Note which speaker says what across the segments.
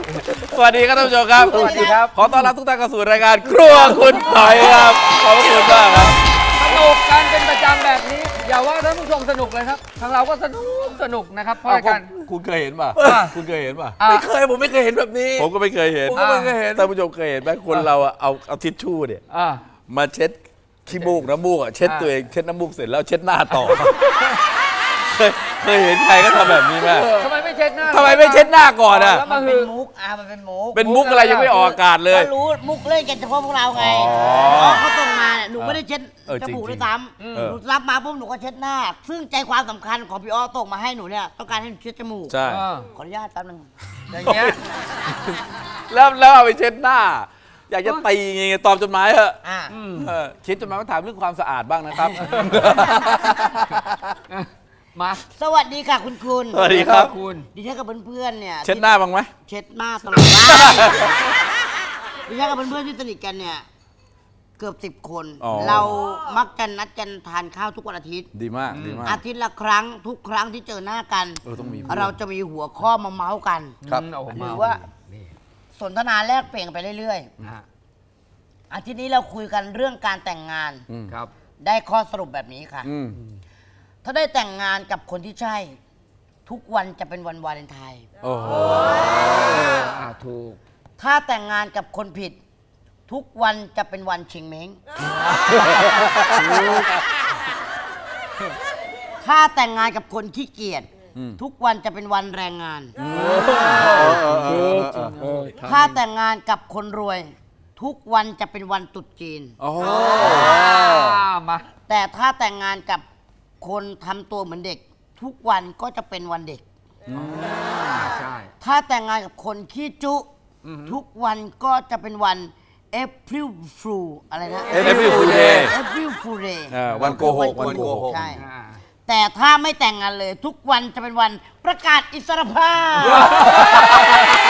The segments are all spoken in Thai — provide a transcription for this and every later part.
Speaker 1: สวัสดีครับท่านผู้ชมครับ
Speaker 2: สวัสดีครับ
Speaker 1: ขอต้อนรับทุกท่านเข้าสู่รายการครัวคุณหน่อยครับขอบคุณมากครับ
Speaker 2: สนุกกันเป็นประจำแบบนี้ อย่าว่าท่านผู้ชมสนุกเลยครับทางเราก็สนุกนะครับเพราะรายการ
Speaker 1: คุณเคยเห็นป่ะ
Speaker 2: อ่ะ
Speaker 1: คุณเคยเห็นป่ะ
Speaker 2: อ่ะ
Speaker 3: ไม่เคยผมไม่เคยเห็นแบบนี้
Speaker 1: ผมก็ไม่เคยเห็น
Speaker 3: ผมก็ไม่เคยเห็น
Speaker 1: ท่านผู้ชมเคยเห็นไหมคนเราอะเอาทิชชู่เนี่ย
Speaker 2: อ่า
Speaker 1: มาเช็ดขี้มูกน้ำมูกอะเช็ดตัวเองเช็ดน้ำมูกเสร็จแล้วเช็ดหน้าต่อ เคยเห็นใครก็ทำแบบนี้ไหม
Speaker 2: ทำไมไม่เช็ดหน้า
Speaker 1: ทำไมไม่เช็ดหน้าก่อนอะ
Speaker 2: แล้ว
Speaker 4: มั
Speaker 2: มาน
Speaker 4: เป็
Speaker 2: หื
Speaker 4: น
Speaker 2: อ
Speaker 4: มุกมันเป็นมุก
Speaker 1: เป็นมุกอะไรยังไม่ออกอากาศเลย
Speaker 4: ก็รู้มุกเล่นกันเฉพาะพวกเราไง
Speaker 1: อ๋อ
Speaker 4: เพราะเขาส่งมาเนี่ยหนูไม่ได้เช็ด
Speaker 1: จ
Speaker 4: จ
Speaker 1: ริงๆ
Speaker 4: มูกด้วยซ้
Speaker 1: เออ
Speaker 4: ำหนูรับมาปุ๊บหนูก็เช็ดหน้า ซึ่งใจความสำคัญของพี่อ้อส่งมาให้หนูเนี่ยต้องการให้หนูเช็ดจมูก
Speaker 1: ใช่
Speaker 2: อ่า
Speaker 4: ขออนุญาตแป๊บนึง
Speaker 2: อย่างเงี้ย
Speaker 1: แล้วเอาไปเช็ดหน้า อยากจะตีไงตอบจดหมายเหอะ
Speaker 4: อ่า
Speaker 1: เช็ดจดหมายมาถามเรื่องความสะอาดบ้างนะครับ
Speaker 2: มา
Speaker 4: สวัสดีค่ะคุณคุณ
Speaker 1: สวัสดีครับ
Speaker 2: คุณ
Speaker 4: ดิฉันกับเพื่อนๆเนี่ย
Speaker 1: เช็ดหน้าบ้างไหม
Speaker 4: เช็ดหน้าตลอดเวลาดิฉันกับเพื่อนๆที่สนิทกันเนี่ยเกือบ10 คน
Speaker 1: อ๋อ
Speaker 4: เรามักจะนัดกันทานข้าวทุกวันอาทิตย์
Speaker 1: ดีมากดีมาก
Speaker 4: อาทิตย์ละครั้งทุกครั้งที่เจอหน้ากัน
Speaker 1: ต้องมี
Speaker 4: เราจะมีหัวข้อมาเมาส์กัน
Speaker 1: ครับ
Speaker 2: โอ้โห
Speaker 4: หรือว่าสนทนาแลกเปลี่ยนกันไปเรื่อย
Speaker 2: อ่ะ
Speaker 4: ๆอาทิตย์นี้เราคุยกันเรื่องการแต่งงาน
Speaker 2: ครับ
Speaker 4: ได้ข้อสรุปแบบนี้ค่ะ
Speaker 1: อืม
Speaker 4: ถ้าได้แต่งงานกับคนที่ใช่ ทุกวันจะเป็นวันวาเลนไทน์
Speaker 1: โอ้โห
Speaker 2: ถูก
Speaker 4: ถ้าแต่งงานกับคนผิด ทุกวันจะเป็นวันชิงเม้งถ้าแต่งงานกับคนขี้เกียจทุกวันจะเป็นวันแรงงาน ถ้าแต่งงานกับคนรวย ทุกวันจะเป็นวันตรุษจีน
Speaker 1: โอ้โห
Speaker 2: มา
Speaker 4: แต่ถ้าแต่งงานกับคนทำตัวเหมือนเด็ก ทุกวันก็จะเป็นวันเด็ก
Speaker 2: ใช่
Speaker 4: ถ้าแต่งงานกับคนขี้จุ ทุกวันก็จะเป็นวัน April Fool อะไรนะ
Speaker 1: April Fool Day
Speaker 4: April Fool Day
Speaker 1: วันโกหกวันโกหก
Speaker 4: ใช่
Speaker 2: อ่า
Speaker 4: แต่ถ้าไม่แต่งงานเลย ทุกวันจะเป็นวันประกาศอิสรภาพ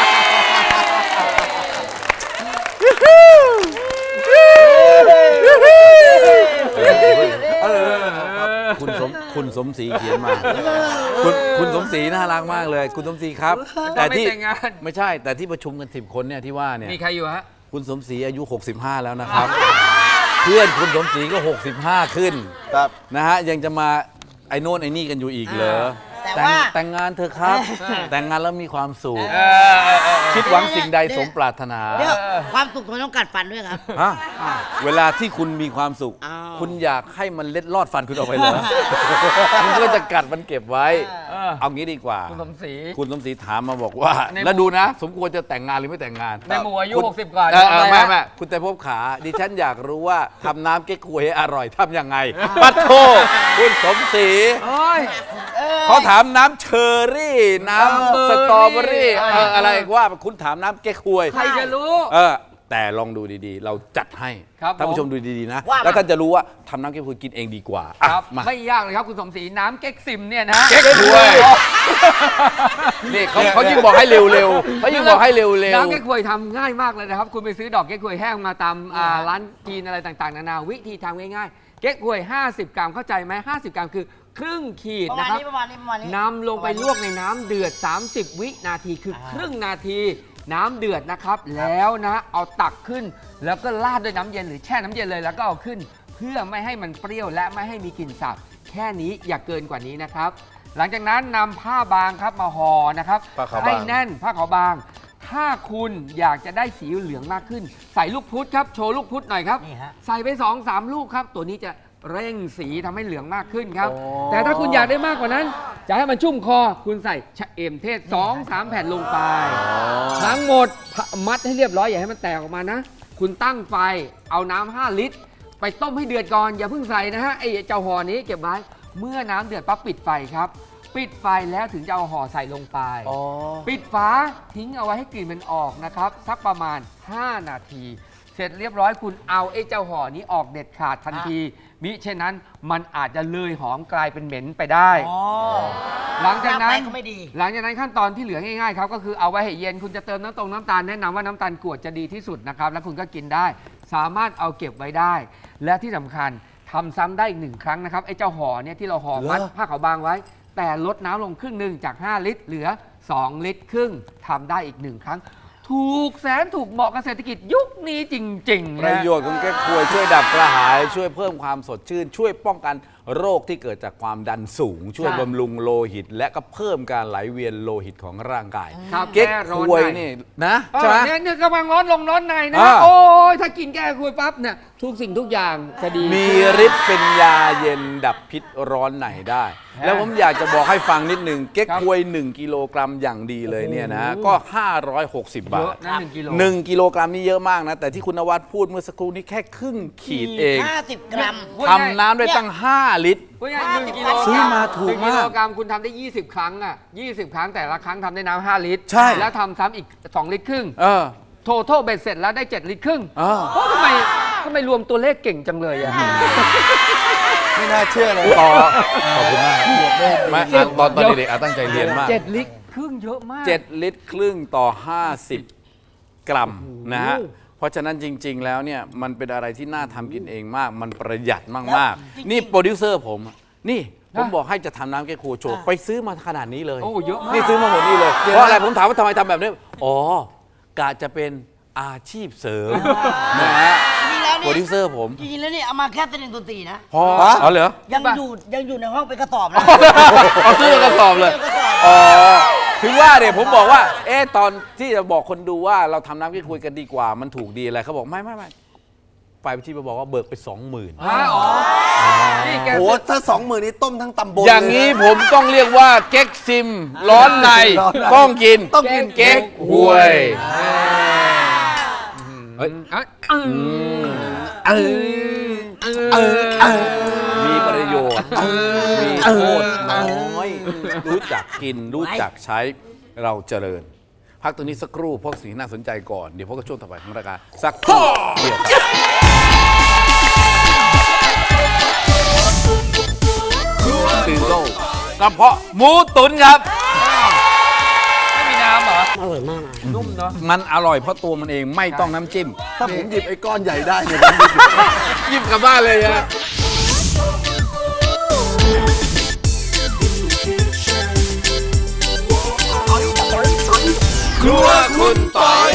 Speaker 1: คุณสมศรีเขียนมา คุณสมศรีน่ารักมากเลย คุณสมศรีครับ
Speaker 2: แต่ไม่แต่งงาน
Speaker 1: ไม่ใช่แต่ที่ประชุมกัน10 คนเนี่ยที่ว่าเนี่ย
Speaker 2: มีใครอยู่ฮะ
Speaker 1: คุณสมศรีอายุ 65 แล้วนะครับ เพื่อนคุณสมศรีก็ 65 ขึ้น
Speaker 3: ครับ
Speaker 1: นะฮะยังจะมาไอ้โน่นไอ้นี่กันอยู่อีกเหรอ
Speaker 4: แต่ว่า
Speaker 1: แต่งงานเถอะครับ แต่งงานแล้วมีความสุข
Speaker 2: เออ
Speaker 1: คิดหวังสิ่งใดสมปรารถนา
Speaker 4: เดี๋ยวความสุขทำไมต้องกัดฟันด้วยครับ
Speaker 1: ฮะเวลาที่คุณมีความสุข
Speaker 4: อ้าว
Speaker 1: คุณอยากให้มันเล็ดลอดฟันคุณออกไปเหรอ คุณก็จะกัดมันเก็บไว้
Speaker 2: เออ
Speaker 1: เอางี้ดีกว่า
Speaker 2: คุณสมศรี
Speaker 1: คุณสมศรีถามมาบอกว่า
Speaker 2: ในหมู่
Speaker 1: แล้วดูนะ สมควรจะแต่งงานหรือไม่แต่งงาน
Speaker 2: ในหมู่อายุ
Speaker 1: คุณ
Speaker 2: 60 กว่า
Speaker 1: เออ
Speaker 2: ทำอะไร
Speaker 1: ไม่
Speaker 2: ฮะ
Speaker 1: ไม่คุณแต่พบขา ดิฉันอยากรู้ว่าทำน้ำเก๊กฮวยให้อร่อยทำยังไงปัดโทคุณสมศรี
Speaker 2: โอ้ย
Speaker 1: เขาถามน้ำเชอร์รี่ น้ำสตรอเบอรี่
Speaker 2: เออ
Speaker 1: อะไรว่าคุณถามน้ำเก๊กฮวย
Speaker 2: ใครจะรู้
Speaker 1: แต่ลองดูดีๆ เราจัดให้
Speaker 2: ครับ
Speaker 1: ท่านผู้ชม
Speaker 2: ผม
Speaker 1: ดูดีๆนะ
Speaker 4: ว่ามา
Speaker 1: แล้วท่านจะรู้ว่าทำน้ำเก๊กฮวยกินเองดีกว่าอ่ะ
Speaker 2: ครับ
Speaker 1: มา
Speaker 2: ไม่ยากเลยครับคุณสมศรีน้ำเก๊กซิมเนี่ยนะ
Speaker 1: เก๊กฮวย นี่เขายิ่งบอกให้เร็วๆเขายิ่งบอกให้เร็ว
Speaker 2: น้ำเก๊กฮวยทำง่ายมากเลยนะครับ คุณไปซื้อดอกเก๊กฮวยแห้งมาตามร้านจีนอะไรต่างๆนานาวิธีทำง่ายๆ เก๊กฮวย 50 กรัมเข้าใจไหม50 กรัมคือครึ่งขีด
Speaker 4: ประมา
Speaker 2: นะ
Speaker 4: ณ
Speaker 2: ครับ
Speaker 4: นี้ประมาณนี้ประมาณนี้
Speaker 2: นำลงไปลวกในน้ำเดือด 30 วินาทีคือครึ่งนาที น้ำเดือดนะครับ แล้วนะเอาตักขึ้น แล้วก็ราดด้วยน้ำเย็นหรือแช่น้ำเย็นเลยแล้วก็เอาขึ้น เพื่อไม่ให้มันเปรี้ยวและไม่ให้มีกลิ่นสาบแค่นี้อย่าเกินกว่านี้นะครับ หลังจากนั้นนำผ้าบางครับมาห่อนะครับ
Speaker 1: ผ้าขาวบาง
Speaker 2: ให้แน่นผ้าขาวบาง ถ้าคุณอยากจะได้สีเหลืองมากขึ้น ใส่ลูกพุธครับโชว์ลูกพุธหน่อยครับ
Speaker 4: นี่ฮะ
Speaker 2: ใส่ไป 2-3 ลูกครับ ตัวนี้จะเร่งสีทำให้เหลืองมากขึ้นครับ แต่ถ้าคุณอยากได้มากกว่านั้น จะให้มันชุ่มคอ คุณใส่ชะเอมเทศ 2-3 แผ่นลงไป ทั้งหมดมัดให้เรียบร้อยอย่าให้มันแตกออกมานะ คุณตั้งไฟเอาน้ำ5 ลิตร ไปต้มให้เดือดก่อน อย่าเพิ่งใส่นะฮะไอ้เจ้าห่อนี้เก็บไว้ เมื่อน้ำเดือดปั๊บปิดไฟครับ ปิดไฟแล้วถึงจะเอาห่อใส่ลงไป ปิดฝาทิ้งเอาไว้ให้กลิ่นมันออกนะครับ สักประมาณ 5 นาที เสร็จเรียบร้อยคุณเอาไอ้เจ้าห่อนี้ออกเด็ดขาดทันทีมิเช่นนั้นมันอาจจะเลยหอมกลายเป็นเหม็นไปได้
Speaker 4: อ๋อ
Speaker 2: หลังจากนั้น
Speaker 4: น้ำไปก็ไม่ดี
Speaker 2: หลังจากนั้นขั้นตอนที่เหลือง่ายๆครับก็คือเอาไว้ให้เย็นคุณจะเติมน้ำตาลแนะนำว่าน้ำตาลกรวดจะดีที่สุดนะครับแล้วคุณก็กินได้ สามารถเอาเก็บไว้ได้ และที่สำคัญทำซ้ำได้อีก1 ครั้งนะครับไอ้เจ้าห่อเนี่ยที่เราห่อมัดผ้าขาวบางไว้ แต่ลดน้ำลงครึ่งหนึ่งจาก5 ลิตรเหลือ2 ลิตรครึ่งทำได้อีก1 ครั้งถูกแสนถูกเหมาะกับเศรษฐกิจยุคนี้จริงๆ
Speaker 1: ป
Speaker 2: นะ
Speaker 1: ระโยชน์ของแก้ควยช่วยดับกระหาย ช่วยเพิ่มความสดชื่น ช่วยป้องกันโรคที่เกิดจากความดันสูง ช่วยบำรุงโลหิต และก็เพิ่มการไหลเวียนโลหิตของร่างกาย
Speaker 2: ครับ
Speaker 1: เก๊ก
Speaker 2: แก้ร้
Speaker 1: ค
Speaker 2: อน
Speaker 1: วย
Speaker 2: ใน
Speaker 1: นี่นะใช่ไหม
Speaker 2: เนี่ยกำลังร้อนลงร้อนในนะ
Speaker 1: อ่า
Speaker 2: โอ้ยถ้ากินแก้คุยปั๊บเนี่ยทุกสิ่งทุกอย่างจะดี
Speaker 1: มีฤทธิ์เป็นยาเย็นดับพิษร้อนในได้ แล้วผมอยากจะบอกให้ฟังนิดหนึ่งเก๊ก
Speaker 2: ครับ
Speaker 1: ควย 1 กิโลกรัมอย่างดีเลยเนี่ยนะ
Speaker 2: โอ้โห
Speaker 1: ก็ 560 บา
Speaker 2: เย
Speaker 1: ท
Speaker 2: อะนะ1 กิโล
Speaker 1: 1 กิโลกรัมนี่เยอะมากนะ แต่ที่คุณนวัดพูดเมื่อสักครู่นี้แค่ครึ่งขีดเอง
Speaker 4: 50 กรัม
Speaker 1: ทำน้ำได้ตั้ง 5 ลิตร
Speaker 2: พูดง่ายๆ1 กิโล
Speaker 1: ซื้อมาถูกมาก
Speaker 2: 1 กิโลกรัมคุณทำได้ 20 ครั้งอ่ะ20 ครั้งแต่ละครั้งทำได้น้ำ5 ลิตร
Speaker 1: ใช่
Speaker 2: แล้วทำซ้ำอีก 2 ลิตรครึ่ง
Speaker 1: เออ
Speaker 2: โทโทเบ็ดเสร็จแล้วได้ 7 ลิตรครึ่ง
Speaker 1: เออ
Speaker 2: โอ้ทำไมรวมตัวเลขเก่งจังเลยอ่ะ
Speaker 3: ไม่น่าเชื่อเลย
Speaker 1: ต่อขอบคุณมากไม่อ่ะตอนเด็กๆอ่ะตั้งใจเรียนมาก
Speaker 2: 7 ลิตรครึ่งเยอะมาก
Speaker 1: 7 ลิตรครึ่งต่อ 50 กรัมนะฮะ เพราะฉะนั้นจริง ๆ แล้วเนี่ยมันเป็นอะไรที่น่าทำกินเองมาก มันประหยัดมาก ๆ นี่โปรดิวเซอร์ผมนี่ผมบอกให้จะทำน้ำแก้ครัวโชว์ไปซื้อมาขนาดนี้เลย
Speaker 2: โอ้เยอะมาก
Speaker 1: นี่ซื้อมาหมดนี่เลย เพราะอะไรผมถามว่าทำไมทำแบบนี้ อ๋อกะจะเป็นอาชีพเสริมนะฮะ
Speaker 4: จริงๆแล้ว
Speaker 1: โปรดิ
Speaker 4: นี่
Speaker 1: วเซอร์ผม
Speaker 4: จริงๆแล้วนี่เอามาแค่เล่นดนตรีนะ
Speaker 1: พออ๋อเหรอ
Speaker 4: ยังอยู่ในห้องเป็นกระสอบนะ
Speaker 1: เอาซื้อมากระสอบเลย
Speaker 4: กระสอบ
Speaker 1: อ๋อ ถึงว่าเนี่ยผมบอกว่า ตอนที่จะบอกคนดูว่าเราทำน้ำแก้คุยกันดีกว่า มันถูกดีอะไรเขาบอกไม่ฝ่ายบัญชีมาบอกว่าเบิกไป 20,000
Speaker 2: อ๋อนี่แก
Speaker 3: โหถ้า20,000นี้ต้มทั้งตำบล
Speaker 1: อย่างนี้ผมต้องเรียกว่าเก๊กซิม ร้อนใน
Speaker 3: ร้อนใน
Speaker 1: ต้องกิน
Speaker 3: ต้องกิน
Speaker 1: เก๊กหวย เฮ้ย มีประโยชน์ มีโทษน้อย รู้จักกิน รู้จักใช้เราเจริญ พักตรงนี้สักครู่พวกสิ่งที่น่าสนใจก่อน เดี๋ยวพบกับช่วงต่อไปของรายการสักครู่เดียวครับตื่นโต้กระเพาะหมูตุ๋นครับ
Speaker 2: ไม่มีน้ำเหรอ
Speaker 4: อร่อยมากนะ
Speaker 2: นุ่มเนาะ
Speaker 1: มันอร่อยเพราะตัวมันเองไม่ต้องน้ำจิ้ม
Speaker 3: ถ้าผมหยิบไอ้ก้อนใหญ่ได้เนี่ย
Speaker 1: หยิบกลับบ้านเลยฮะครัวคุณต่อย